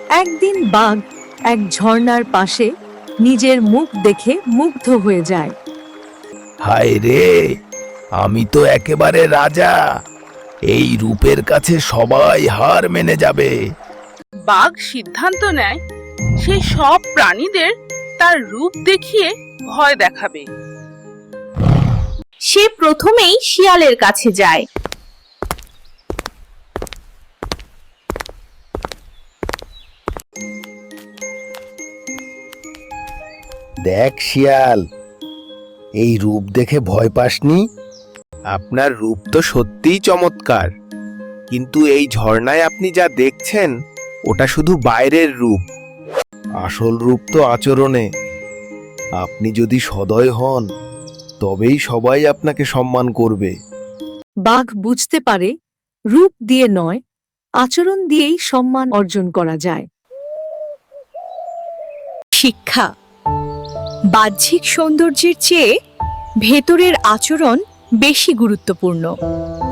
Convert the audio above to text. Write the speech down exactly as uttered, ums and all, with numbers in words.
একদিন বাঘ এক ঝর্ণার পাশে নিজের মুখ দেখে মুগ্ধ হয়ে যায়। হায় রে, আমি তো একেবারে রাজা। এই রূপের কাছে সবাই হার মেনে যাবে। বাঘ সিদ্ধান্ত নেয় সে সব প্রাণীদের তার রূপ দেখিয়ে ভয় দেখাবে। সে প্রথমেই শিয়ালের কাছে যায়। দেখ শিয়াল, এই রূপ দেখে ভয় পাসনি? আপনার রূপ তো সত্যিই চমৎকার, কিন্তু এই ঝর্ণায় আপনি যা দেখছেন ওটা শুধু বাইরের রূপ। আসল রূপ তো আচরণে। আপনি যদি সদয় হন তবেই সবাই আপনাকে সম্মান করবে। বাঘ বুঝতে পারে রূপ দিয়ে নয়, আচরণ দিয়েই সম্মান অর্জন করা যায়। শিক্ষা: বাহ্যিক সৌন্দর্যের চেয়ে ভেতরের আচরণ বেশি গুরুত্বপূর্ণ।